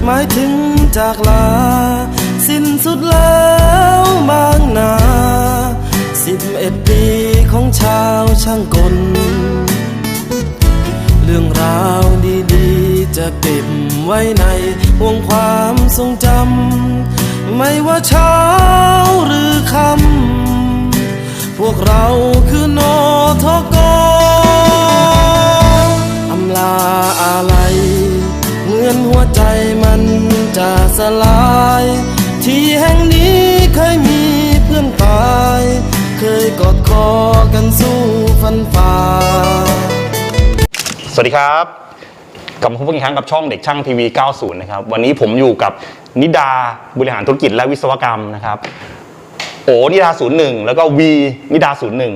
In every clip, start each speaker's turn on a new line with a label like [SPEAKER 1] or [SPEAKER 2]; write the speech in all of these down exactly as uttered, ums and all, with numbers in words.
[SPEAKER 1] หมายถึงจากลาสิ้นสุดแล้วบางนาสิบเอ็ดปีของชาวช่างกลเรื่องราวดีๆจะเก็บไว้ในห่วงความทรงจำไม่ว่าเช้าหรือค่ำพวกเราคือโนทกอำลาอะไรเหมือนหัวใจมันจะสลายที่แห่งนี้เคยมีเพื่อนตายเคยกอดคอกันสู้ฟันฝ่า
[SPEAKER 2] สวัสดีครับกลับมาพบกันอีกครั้งกับช่องเด็กช่างทีวีเก้าสิบนะครับวันนี้ผมอยู่กับนิดาบริหารธุรกิจและวิศวกรรมนะครับโอนิดาศูนย์หนึ่งแล้วก็วีนิดาศูนย์หนึ่ง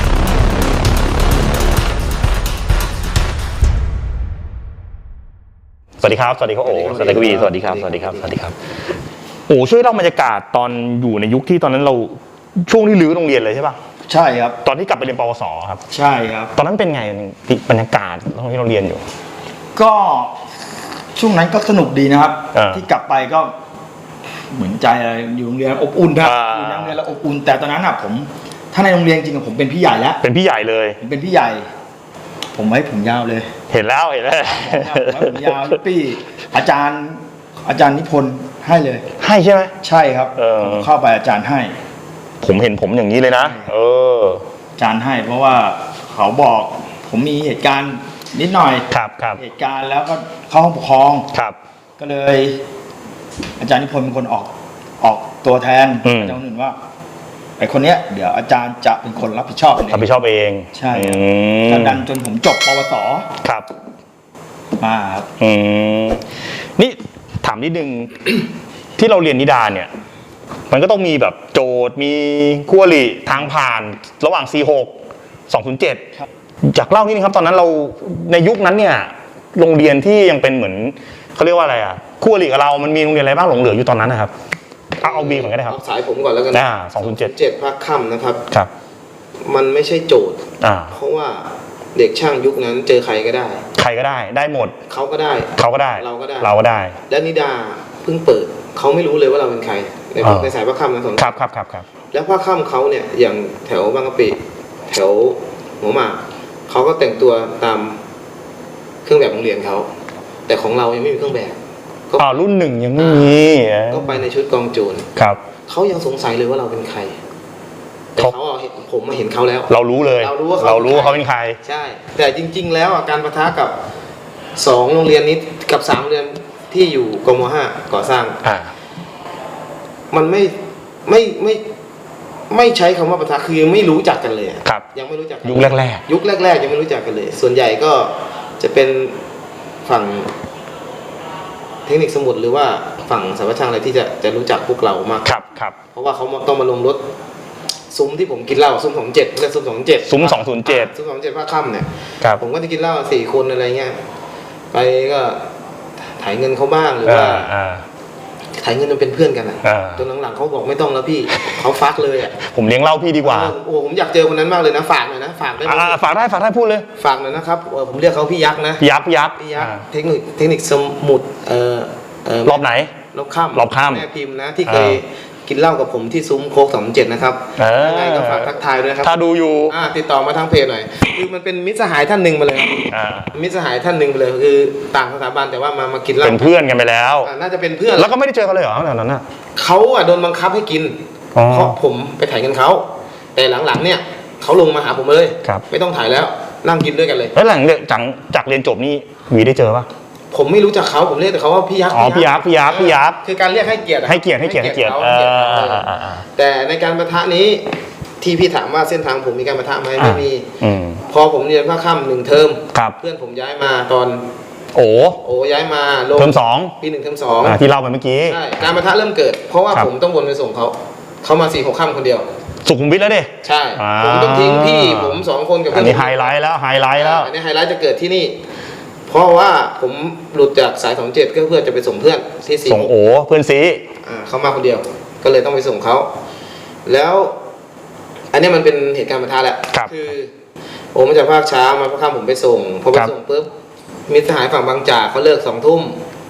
[SPEAKER 2] สวัสดีครับสวัสดีครับโอสวัสดีครับวีสวัสดีครับสวัสดีครับสวัสดีครับโอ้ช่วยเล่าบรรยากาศตอนอยู่ในยุคที่ตอนนั้นเราช่วงที่รื้อโรงเรียนเลยใช่ป่ะ
[SPEAKER 3] ใช่ครับ
[SPEAKER 2] ตอนที่กลับไปเรียนปวสครับ
[SPEAKER 3] ใช่ครับ
[SPEAKER 2] ตอนนั้นเป็นไงบรรยากาศตอนที่เราเรียนอยู่
[SPEAKER 3] ก็ช่วงนั้นก็สนุกดีนะครับที่กลับไปก็เหมือนใจอะไรอยู่โรงเรียนอบอุ่นครับอยู่ในโรงเรียนแล้วอบอุ่นแต่ตอนนั้นอ่ะผมถ้าในโรงเรียนจริงๆผมเป็นพี่ใหญ่แล้ว
[SPEAKER 2] เป็นพี่ใหญ่เลย
[SPEAKER 3] ผมเป็นพี่ใหญ่ผมไว้ผมยาวเลย
[SPEAKER 2] เห็นแล้วเห็นแล้ว
[SPEAKER 3] ผมไว้ผมยาวปี้อาจารย์อาจารย์นิพนธ์ให้เลย
[SPEAKER 2] ให้ใช่ไหม
[SPEAKER 3] ใช่ครับผมเข้าไปอาจารย์ให้
[SPEAKER 2] ผมเห็นผมอย่างนี้เลยนะเออ
[SPEAKER 3] อาจารย์ให้เพราะว่าเขาบอกผมมีเหตุการณ์นิดหน่อย
[SPEAKER 2] ครับครับ
[SPEAKER 3] เหตุการณ์แล้วก็เข้าห้องปกครอง
[SPEAKER 2] ครับ
[SPEAKER 3] ก็เลยอาจารย์นิพนธ์เป็นคนออกออกตัวแทนอาจารย์หนึ่งว่าไอ้คนเนี้ยเดี๋ยวอาจารย์จะเป็นคนรับผิดชอบเอง
[SPEAKER 2] รับผิดชอบเอง
[SPEAKER 3] ใช่ก็ดันจนผมจบปวส
[SPEAKER 2] ครับ
[SPEAKER 3] มาครับ
[SPEAKER 2] อืมนี่ถามนิดนึง ที่เราเรียนนิดาเนี่ยมันก็ต้องมีแบบโจทย์มีคู่อริทางผ่านระหว่าง สี่หก สองศูนย์เจ็ด จากเล่านิดนึงครับตอนนั้นเราในยุคนั้นเนี่ยโรงเรียนที่ยังเป็นเหมือนเขาเรียกว่าอะไรอ่ะคู่อริกับเรามันมีโรงเรียนอะไรบ้างหลงเหลืออยู่ตอนนั้นนะครับเอาเอาบีก่อนก็ได้ครับ
[SPEAKER 4] เอาสายผมก่อนแล้วกัน
[SPEAKER 2] อ่าสองศูนย์เจ็ด
[SPEAKER 4] เจ็ดภาคค่ำนะครับ
[SPEAKER 2] ครับ
[SPEAKER 4] มันไม่ใช่โจทย์
[SPEAKER 2] อ่า
[SPEAKER 4] เพราะว่าเด็กช่างยุคนั้นเจอใครก็ได้
[SPEAKER 2] ใครก็ได้ได้หมด
[SPEAKER 4] เขาก็ได้
[SPEAKER 2] เขาก็ได้
[SPEAKER 4] เราก็ได้
[SPEAKER 2] เราก็ได้
[SPEAKER 4] และนิดาเพิ่งเปิดเขาไม่รู้เลยว่าเราเป็นใครในในสายภาคค่ำนะสอง
[SPEAKER 2] ครับครับครับครับ
[SPEAKER 4] แล้วภาคค่ำเขาเนี่ยอย่างแถวบางกะปิแถวหัวหมากเขาก็แต่งตัวตามเครื่องแบบโรงเรียนเขาแต่ของเรายังไม่มีเครื่องแบบ
[SPEAKER 2] อ๋อรุ่นหนึ่งยังไม่มี
[SPEAKER 4] ก็ไปในชุดกองโจร
[SPEAKER 2] ครับ
[SPEAKER 4] เขายังสงสัยเลยว่าเราเป็นใครแต่เขาเห็นผมมาเห็นเขาแล้ว
[SPEAKER 2] เรารู้เลย
[SPEAKER 4] เรารู้ว่า
[SPEAKER 2] เรารู้ว่าเขาเป็นใคร
[SPEAKER 4] ใช่แต่จริงๆแล้วการปะทะกับสองโรงเรียนนี้กับสามโรงเรียนที่อยู่กม.ห้าก่อสร้าง
[SPEAKER 2] อ่า
[SPEAKER 4] มันไม่ไม่ไม่ไม่ใช้คำว่าปะทะคือยังไม่รู้จักกันเลย
[SPEAKER 2] ครับ
[SPEAKER 4] ยังไม่รู้จัก
[SPEAKER 2] ยุคแรก
[SPEAKER 4] ๆยุคแรกๆยังไม่รู้จักกันเลยส่วนใหญ่ก็จะเป็นฝั่งเทคนิคสมุดหรือว่าฝั่งสายช่างอะไรที่จะจะรู้จักพวกเรามาก
[SPEAKER 2] ครับครับ
[SPEAKER 4] เพราะว่าเขาต้องมาลงรถซุ้มที่ผมกินเหล้าซุ้มสองเจ็ดเรียกซุ้มสองเจ็ด
[SPEAKER 2] ซุ้มสองศูนย์เจ็ด
[SPEAKER 4] ซุ้มสองเจ็ดภาคค่ำเนี่ยผมก็จะกินเหล้าสี่คนอะไรเงี้ยไปก็ถ่ายเงินเขาบ้างหรือว่าถ่ายเงินมันเป็นเพื่อนกันอ่ะจนหลังๆเขาบอกไม่ต้องแล้วพี่เขาฟักเลยอ่ะ
[SPEAKER 2] ผมเลี้ยงเหล้าพี่ดีกว่า
[SPEAKER 4] โอ้ผมอยากเจอคนนั้นมากเลยนะฝากหน่อยนะฝากได้ไหม
[SPEAKER 2] ฝากได้ฝากได้พูดเลย
[SPEAKER 4] ฝากหน่อยนะครับผมเรียกเขาพี่ยักษ์นะ
[SPEAKER 2] พี่ยักษ์พี่ยักษ์
[SPEAKER 4] พี่ยักษ์เทคนิคเทคนิคสมุดเอ่อ
[SPEAKER 2] รอบไหน
[SPEAKER 4] รอบค่ำ
[SPEAKER 2] รอบค่ำ
[SPEAKER 4] แม่พิมพ์นะที่เคยกินเหล้ากับผมที่ซุ้มโค้กสองเจ็ดนะครับยังไงก็ฝากทักทายด้วยครับ
[SPEAKER 2] ถ้าดูอยู่
[SPEAKER 4] ติดต่อมาทางเพจหน่อยคือมันเป็นมิตรสหายท่านหนึ่งมาเลยมิตรสหายท่านหนึ่งไปเลยคือต่างสถาบันแต่ว่ามามากินเหล้า
[SPEAKER 2] เป็นเพื่อนกันไปแล้ว
[SPEAKER 4] น่าจะเป็นเพื่อน
[SPEAKER 2] แล้วก็ไม่ได้เจอกันเลยเหรอตอนนั้นน่ะ
[SPEAKER 4] เขาอ่ะโดนบังคับให้กินเพราะผมไปถ่ายเงินเขาแต่หลังๆเนี่ยเขาลงมาหาผมเลยไม่ต้องถ่ายแล้วนั่งกินด้วยกันเลย
[SPEAKER 2] แล้วหลังจากจากเรียนจบนี่วีได้เจอปะ
[SPEAKER 4] ผมไม่รู้จักเขาผมเรียกแต่เขาว่าพี่ยักษ์
[SPEAKER 2] อ๋อพี่ยักษ์พี่ยักษ์พี่ยักษ์
[SPEAKER 4] คือการเรียกให้เกียรติ
[SPEAKER 2] ให้เกียรติให้เกียรติให้เกียรติ
[SPEAKER 4] แต่ในการปะทะนี้ที่พี่ถามว่าเส้นทางผมมีการปะทะไหมไม่มีพอผมเรียนภาคค่ำหนึ่งเทอมเพื่อนผมย้ายมาตอน
[SPEAKER 2] โอ้
[SPEAKER 4] โอ้ย้ายมา
[SPEAKER 2] ลงเทอมสอง
[SPEAKER 4] ปีหนึ่งเทอมสอง
[SPEAKER 2] ที่เล่าไปเมื่อกี้
[SPEAKER 4] ใช่การปะทะเริ่มเกิดเพราะว่าผมต้องวนไปส่งเขาเขามาสี่หกค่ำคนเดียว
[SPEAKER 2] สุขุมวิทแล้วดิ
[SPEAKER 4] ใช่ผมต้องทิ้งพี่ผมสองคนกับ
[SPEAKER 2] เพื่อนอันนี้ไฮไลท์แล้วไฮไลท์แล้ว
[SPEAKER 4] อันนี้ไฮไลท์จะเกิดที่นี่เพราะว่าผมหลุดจากสายสองเจ็ดก็เพื่อจะไปส่งเพื่อนที่สี่
[SPEAKER 2] ส่งโอ้เพื่อนซี
[SPEAKER 4] อ่าเขามาคนเดียวก็เลยต้องไปส่งเขาแล้วอันนี้มันเป็นเหตุการณ์ปะทะแหละคือโอ้มาจากภาคเช้ามาภาคค่ำผมไปส่งพอไปส่งปุ๊บมิตรสหายฝั่งบางจากเขาเลิกสองทุ่ม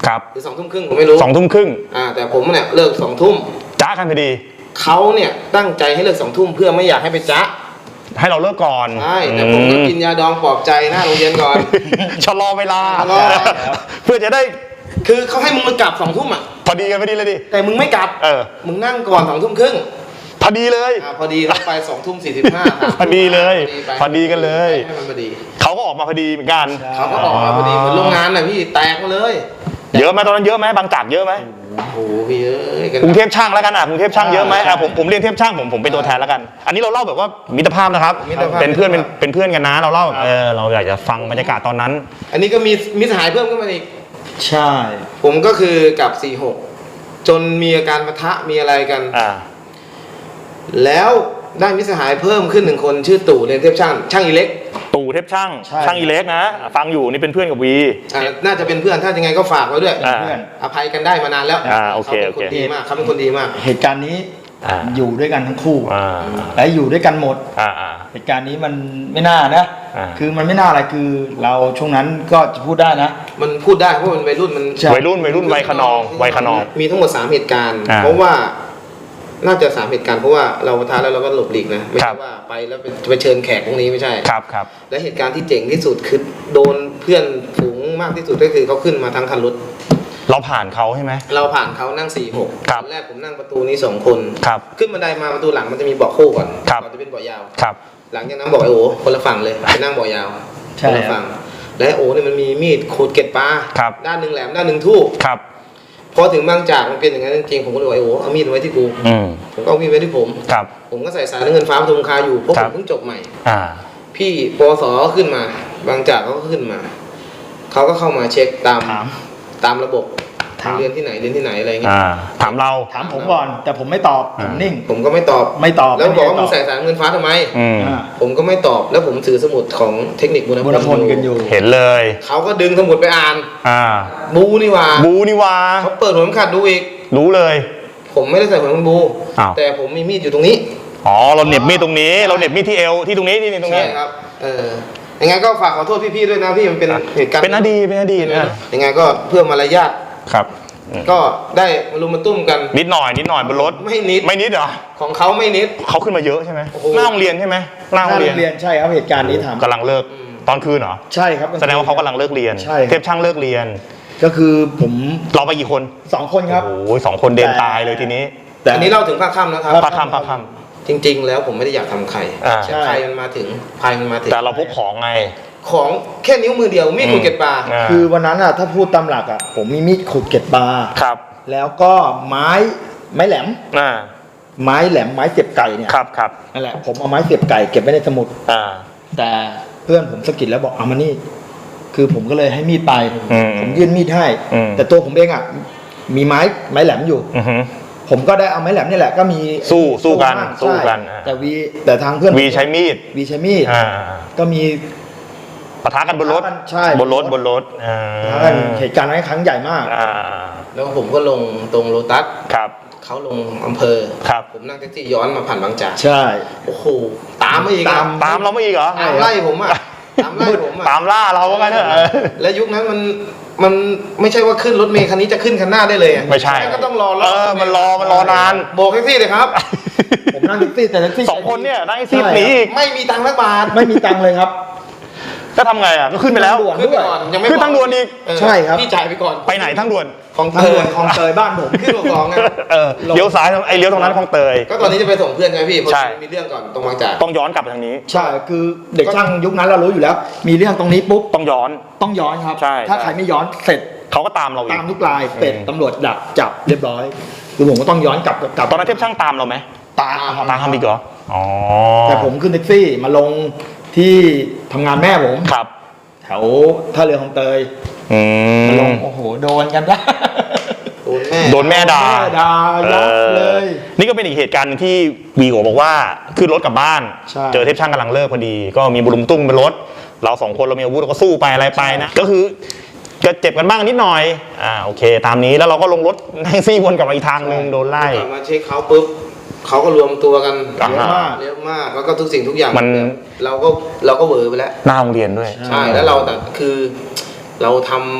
[SPEAKER 2] ครับ
[SPEAKER 4] หรือสองทุ่มครึ่งผมไม่รู้
[SPEAKER 2] สองทุ่มครึ่ง
[SPEAKER 4] อ่าแต่ผมเนี่ยเลิกสองทุ่ม
[SPEAKER 2] จ้ากันพอดี
[SPEAKER 4] เขาเนี่ยตั้งใจให้เลิกสองทุ่มเพื่อไม่อยากให้ไปจ๊ะ
[SPEAKER 2] ให้เราเลิกก่อน
[SPEAKER 4] ใช่แต่ผมก็กินยาดองปลอบใจหน้าโรงเรียนก่อน
[SPEAKER 2] ชะลอเวลา
[SPEAKER 4] ชะลอ
[SPEAKER 2] เพื่อจะได้
[SPEAKER 4] คือเขาให้มึงมากลับสองทุ่มอ่ะ
[SPEAKER 2] พอดีกันพอดีเลยดิ
[SPEAKER 4] แต่มึงไม่กลับ
[SPEAKER 2] เออ
[SPEAKER 4] มึงนั่งก่อนสองทุ่มครึ่ง
[SPEAKER 2] พอดีเลย
[SPEAKER 4] อ่าพอดีเขาไปสองทุ่มสี่สิบห้า
[SPEAKER 2] พอดีเลยพอดีกันเลย
[SPEAKER 4] ให้มันพอดี
[SPEAKER 2] เขาก็ออกมาพอดีเหมือนกัน
[SPEAKER 4] เขาก็ออกมาพอดีเหมือนโรงงานน่ะพี่แตกมาเลย
[SPEAKER 2] เยอะไหมตอนนั้นเยอะไหมบางจากเยอะไหม
[SPEAKER 4] โอ้โหพี่เอ้ยกัน
[SPEAKER 2] กรุงเทพช่างแล้วกันอ่ะกรุงเทพช่างเยอะไหม
[SPEAKER 3] ใช่
[SPEAKER 2] อ่ะผมผมเรียนเทพช่างผมผมเป็นตัวแทนแล้วกัน อันนี้เราเล่าแบบว่ามิตรภาพนะครับ
[SPEAKER 4] มิตรภาพ
[SPEAKER 2] เป็นเพื่อนเป็นเป็นเพื่อนกันนะเราเล่าเออเราอยากจะฟังบรรยากาศตอนนั้น
[SPEAKER 4] อันนี้ก็มีมีสหายเพิ่มขึ้นมาอีก
[SPEAKER 3] ใช่
[SPEAKER 4] ผมก็คือกับสี่หกจนมีอาการปะทะมีอะไรกัน
[SPEAKER 2] อ่า
[SPEAKER 4] แล้วได้มิตรสหายเพิ่มขึ้นหนึ่งคนชื่อตู่เรียนเทพช่างช่างอิเล็ก
[SPEAKER 2] ตู่เทพช่างช่างอีเล็กนะฟังอยู่นี่เป็นเพื่อนกับวี
[SPEAKER 4] อ่าน่าจะเป็นเพื่อนถ้ายังไงก็ฝากไว้ด้วย
[SPEAKER 2] อ่า
[SPEAKER 3] เพื่อน
[SPEAKER 4] อภัยกันได้มานานแล้ว
[SPEAKER 2] อ่าโอเค
[SPEAKER 4] เขาเป็นคน
[SPEAKER 2] โอเค
[SPEAKER 4] ดีมากเขาเป็นคนดีมาก
[SPEAKER 3] เหตุการณ์นี้
[SPEAKER 2] อ่า
[SPEAKER 3] อยู่ด้วยกันทั้งคู่
[SPEAKER 2] อ่า
[SPEAKER 3] และอยู่ด้วยกันหมด
[SPEAKER 2] อ่าอ่า
[SPEAKER 3] เหตุการณ์นี้มันไม่น่านะ
[SPEAKER 2] อ่า
[SPEAKER 3] คือมันไม่น่าอะไรคือเราช่วงนั้นก็จะพูดได้นะ
[SPEAKER 4] มันพูดได้เพราะมันวัยรุ่นมัน
[SPEAKER 3] ใช่
[SPEAKER 2] วัยรุ่นวัยรุ่นวัยขนองวัยขนอง
[SPEAKER 4] มีทั้งหมดสามเหตุการณ์
[SPEAKER 2] อ่า
[SPEAKER 4] เพราะว่าน่าจะสามเหตุการณ์เพราะว่าเราปะทะแล้วเราก็หลบหลีกนะไม่
[SPEAKER 2] ครั
[SPEAKER 4] ใช่
[SPEAKER 2] บ
[SPEAKER 4] ว่าไปแล้วไปไปเชิญแขกพวกนี้ไม่ใช่
[SPEAKER 2] ครับครับ
[SPEAKER 4] และเหตุการณ์ที่เจ๋งที่สุดคือโดนเพื่อนฝูงมากที่สุดก็คือเขาขึ้นมาทั้งคันรถ
[SPEAKER 2] เราผ่านเขาใช่ไหม
[SPEAKER 4] เราผ่านเขานั่งสี่หก
[SPEAKER 2] ครับ
[SPEAKER 4] ตอนแรกผมนั่งประตูนี้สองคน
[SPEAKER 2] ครับ
[SPEAKER 4] ขึ้นบันไดมาประตูหลังมันจะมีเบาะคู่ก่อน
[SPEAKER 2] ครับ
[SPEAKER 4] ก่อนจะเป็นเบาะยาว
[SPEAKER 2] ครับ
[SPEAKER 4] หลังจากนั้นบอกไอ้โอ้คนละฝั่งเลยไปนั่งเบาะยาว
[SPEAKER 3] ใช่
[SPEAKER 4] คนละฝั่งและโอ้เนี่ยมันมีมีดขูดเกล็ดปลา
[SPEAKER 2] ครับ
[SPEAKER 4] ด้านหนึ่งแหลมด้านหนึ่งทู่
[SPEAKER 2] ครับ
[SPEAKER 4] พอถึงบางจากมันเป็นอย่างนั้นจริงๆผมก็เลยบอกไอ้โอ้เอามีดไว้ที่กู
[SPEAKER 2] อืม
[SPEAKER 4] ผมก็เอามีดไว้ที่ผม
[SPEAKER 2] ครับ
[SPEAKER 4] ผมก็ใส่สายน้ำเงินฟ้าประทุมคาอยู่เพราะ
[SPEAKER 2] ค
[SPEAKER 4] ผ
[SPEAKER 2] รับ
[SPEAKER 4] มเพิ่งจบใหม่
[SPEAKER 2] อ่า
[SPEAKER 4] พี่ปวสขึ้นมา บางจากเขาก็ขึ้นมาเขาก็เข้ามาเช็คตาม
[SPEAKER 3] ถาม
[SPEAKER 4] ตามระบบ
[SPEAKER 3] ถาม
[SPEAKER 4] เรียนที่ไหนเรียนที่ไหนอะไรเงี้ย
[SPEAKER 2] อ่าถามเรา
[SPEAKER 3] ถามผมก่อน แต่ผมไม่ตอบผมนิ่ง
[SPEAKER 4] ผมก็ไม่ตอบ
[SPEAKER 3] ไม่ตอบ
[SPEAKER 4] แล้วบอกว่า
[SPEAKER 3] ไม่
[SPEAKER 4] มึ
[SPEAKER 3] ได้
[SPEAKER 4] งใส่สายน้ำเงินฟ้าทำไม
[SPEAKER 2] อืม
[SPEAKER 3] อ่า
[SPEAKER 4] ผมก็ไม่ตอบแล้วผมถือสมุดของเทคนิคบุญ
[SPEAKER 3] บุญพลกันอยู่
[SPEAKER 2] เห็นเลย
[SPEAKER 4] เขาก็ดึงสมุดไปอ่าน
[SPEAKER 2] อ่า
[SPEAKER 4] บูนี่หว่า
[SPEAKER 2] บูนี่วา
[SPEAKER 4] เขาเปิดหัวเข็มขัดดูอีก
[SPEAKER 2] รู้เลย
[SPEAKER 4] ผมไม่ได้ใส่หัวเข็มขัดบู
[SPEAKER 2] อ้าว
[SPEAKER 4] แต่ผมมีมีดอยู่ตรงนี้
[SPEAKER 2] อ๋อเราเหน็บมีดตรงนี้ เราเหน็บมีดที่เอวที่ตรงนี้ที่นี่ตรง
[SPEAKER 4] ใช่
[SPEAKER 2] นี้
[SPEAKER 4] ครับเออยังไงก็ฝากขอโทษพี่ๆด้วยนะพี่มันเป็นเหตุการณ์
[SPEAKER 2] เป็นอดีตเป็นอดีตนะ
[SPEAKER 4] ยังไงก็เพื่อมารยาท
[SPEAKER 2] ครับอืม
[SPEAKER 4] ก็ได้มารุมมาตุ้มกัน
[SPEAKER 2] นิดหน่อยนิดหน่อยบนรถ
[SPEAKER 4] ไม่นิด
[SPEAKER 2] ไม่นิดเหรอ
[SPEAKER 4] ของเขาไม่นิด
[SPEAKER 2] เขาขึ้นมาเยอะใช่ไหม
[SPEAKER 4] โอ้โห
[SPEAKER 2] หน้าโรงเรียนใช่ไหมหน้า
[SPEAKER 3] ห
[SPEAKER 2] โร
[SPEAKER 3] น้าง
[SPEAKER 2] เรี
[SPEAKER 3] โร
[SPEAKER 2] ยน
[SPEAKER 3] งเรียนใช่ครับเหตุการณ์นี้ถาม
[SPEAKER 2] กำลังเลิก
[SPEAKER 4] อืม
[SPEAKER 2] ตอนคืนเหรอ
[SPEAKER 3] ใช่ครับ
[SPEAKER 2] แสดงว่าเขากำลังเลิกเรียน
[SPEAKER 3] ใช่
[SPEAKER 2] เทพช่างเลิกเรียน
[SPEAKER 3] ก็คือผม
[SPEAKER 2] เราไปกี่คน
[SPEAKER 3] สองคนครับ
[SPEAKER 2] โอ้โหสองคนเดินตายเลยทีนี้
[SPEAKER 3] แต่
[SPEAKER 4] อันนี้เล่าถึงภาคค่ำนะครับ
[SPEAKER 2] พระคำพระค
[SPEAKER 4] จริง ๆ แล้วผมไม่ได้อยากทำใคร
[SPEAKER 2] อ่า
[SPEAKER 4] แต่ใครมันมาถึงใครมันมาถึ
[SPEAKER 2] ำ
[SPEAKER 4] ง
[SPEAKER 2] แต่เราพกของไง
[SPEAKER 4] ของแค่นิ้วมือเดียวมีดขูดเกล็ดปลา
[SPEAKER 2] า
[SPEAKER 3] คือวันนั้นอ่ะถ้าพูดตามหลักอ่ะผมมีมีดขุดเกล็ดปลา
[SPEAKER 2] ครับ
[SPEAKER 3] แล้วก็ไม้ไม้แหลม
[SPEAKER 2] อ่า
[SPEAKER 3] ไม้แหลมไม้เสียบไก่เนี่ย
[SPEAKER 2] ครับครับ
[SPEAKER 3] นั่นแหละผมเอาไม้เสียบไก่เก็บไว้ในสมุด
[SPEAKER 2] อ่า
[SPEAKER 3] แต่เพื่อนผมสะกิดแล้วบอกเอามานี่ คือผมก็เลยให้มีดไป
[SPEAKER 2] อืม
[SPEAKER 3] ผมยื่นมีดให้
[SPEAKER 2] อืม
[SPEAKER 3] แต่ตัวผมเองอ่ะมีไม้ไม้แหลมอยู่
[SPEAKER 2] อือฮึ
[SPEAKER 3] ผมก็ได้เอาไม้แหลมนี่แหละก็มี
[SPEAKER 2] สู้สู้กัน
[SPEAKER 3] บ้าง
[SPEAKER 2] สู้กัน
[SPEAKER 3] ใช่
[SPEAKER 2] อ่า
[SPEAKER 3] แต่วีแต่ทางเพื่อน
[SPEAKER 2] วีใช้มีด
[SPEAKER 3] วีใช้มีด
[SPEAKER 2] อ่า
[SPEAKER 3] ก็มี
[SPEAKER 2] ปะทะกันบนรถ
[SPEAKER 3] ใช่
[SPEAKER 2] บนรถบนรถอ่า
[SPEAKER 3] ทางเหตุการณ์นั้นครั้งใหญ่มาก
[SPEAKER 2] อ่า
[SPEAKER 4] แล้วผมก็ลงตรงโลตัส
[SPEAKER 2] ครับ
[SPEAKER 4] เขาลงอำเภอ
[SPEAKER 2] ครับ
[SPEAKER 4] ผมนั่งแท็กซี่ย้อนมาผ่านบางจาก
[SPEAKER 3] ใช่
[SPEAKER 4] โอ้โหตามมาอีกอะ
[SPEAKER 3] ตาม
[SPEAKER 2] ตามเราไม่อีกเหรอ
[SPEAKER 4] ตามไล่ผมอ่ะตามไล่ผมอ่ะ
[SPEAKER 2] ตามล่าเราว่างั้นเถอะ
[SPEAKER 4] และยุคนั้นมันมันไม่ใช่ว่าขึ้นรถเมล์คันนี้จะขึ้นคันหน้าได้เลยอะ
[SPEAKER 2] ไม่ใช่
[SPEAKER 4] งั้นก็ต้องรอ
[SPEAKER 2] เออมันรอมันรอนาน
[SPEAKER 4] โบกแท็กซี่เลยครับ
[SPEAKER 3] ผมนั่งแท็กซี่แต่แท็กซี่
[SPEAKER 2] สองคนเนี่ยนั่งไอ้ซี
[SPEAKER 3] ใช่
[SPEAKER 2] หนีอีก
[SPEAKER 4] ไม่มีตังค์สักบาท
[SPEAKER 3] ไม่มีตังค์เลยครับ
[SPEAKER 2] ก็ทำไงอ่ะก็ขึ้นไปแล้ว
[SPEAKER 3] ทางด่วน
[SPEAKER 4] ขึ้นไปก่อนยังไม่
[SPEAKER 2] ขึ้นทางด่วนอีก
[SPEAKER 4] เออ
[SPEAKER 3] ใช่ครับ
[SPEAKER 4] พี่จ่ายไปก่อน
[SPEAKER 2] ไปไหนทางด่วน
[SPEAKER 4] ของ
[SPEAKER 3] ทางด่วนคลองเตยบ้านผม
[SPEAKER 4] ขึ้นของสองไง
[SPEAKER 2] เออเลี้ยวซ้ายไอ้เลี้ยวตรงนั้นคลองเตย
[SPEAKER 4] ก็ตอนนี้จะไปส่งเพื่อนใช่ไหมพี่เพราะ
[SPEAKER 2] ใช่
[SPEAKER 4] มีเรื่องก่อนตรงบางจาก
[SPEAKER 2] ต้องย้อนกลับไปทางนี้
[SPEAKER 3] ใช่คือเด็กช่างยุคนั้นเรารู้อยู่แล้ว มีเรื่องตรงนี้ปุ๊บ
[SPEAKER 2] ต้องย้อน
[SPEAKER 3] ต้องย้อนครับ
[SPEAKER 2] ใช่
[SPEAKER 3] ถ้า
[SPEAKER 2] ใช่
[SPEAKER 3] ใครไม่ย้อนเสร็จ
[SPEAKER 2] เขาก็ตามเราอี
[SPEAKER 3] ตาก มทุกรายเสร็จ
[SPEAKER 2] อืม
[SPEAKER 3] ตำรวจดักจับเรียบร้อยคือผมก็ต้องย้อนกลับกลับ
[SPEAKER 2] ตอนนั้นเทพช่างตามเราไหม
[SPEAKER 3] ตามครับ
[SPEAKER 2] ตามทำอีกเหรออ๋อ
[SPEAKER 3] แต่ผมขึ้นแท็กซี่มาลงที่ทำงานแม่ผม
[SPEAKER 2] ครับ
[SPEAKER 3] แถวท่าเรือคลองเตย
[SPEAKER 2] อื
[SPEAKER 3] มาลง
[SPEAKER 2] ม
[SPEAKER 3] โอ้โหโดนกันนะ
[SPEAKER 4] โดนแม่
[SPEAKER 2] โดนแม่ด่า
[SPEAKER 3] แม่ด่ายับเลย
[SPEAKER 2] นี่ก็เป็นอีกเหตุการณ์หนึ่งที่วีโอบอกว่าขึ้นรถกลับบ้าน
[SPEAKER 3] ใช่
[SPEAKER 2] เจอเทพช่างกำลังเลิกพอดี ก็มีบุรุมตุ้มเป็นรถ เราสองคนเรามีอาวุธเราก็สู้ไปอะไรไปนะ ก็คือก็เจ็บกันบ้างนิดหน่อยอ่าโอเค ตามนี้แล้วเราก็ลงรถแท็กซี่วนกลับมาอีกทางหนึ่งโดนไล่
[SPEAKER 4] กลับมาเช็คเขาปุ๊บเขาก็รวมตัวกัน
[SPEAKER 2] อ่า
[SPEAKER 4] เยอะมากเยอะมากแล้วก็ทุกสิ่งทุกอย่าง
[SPEAKER 2] มัน
[SPEAKER 4] เราก็เราก็เหวอไปแล้ว
[SPEAKER 2] หน้าโรงเรียนด้วย
[SPEAKER 4] ใช่แล้วเราแต่คือเราทำท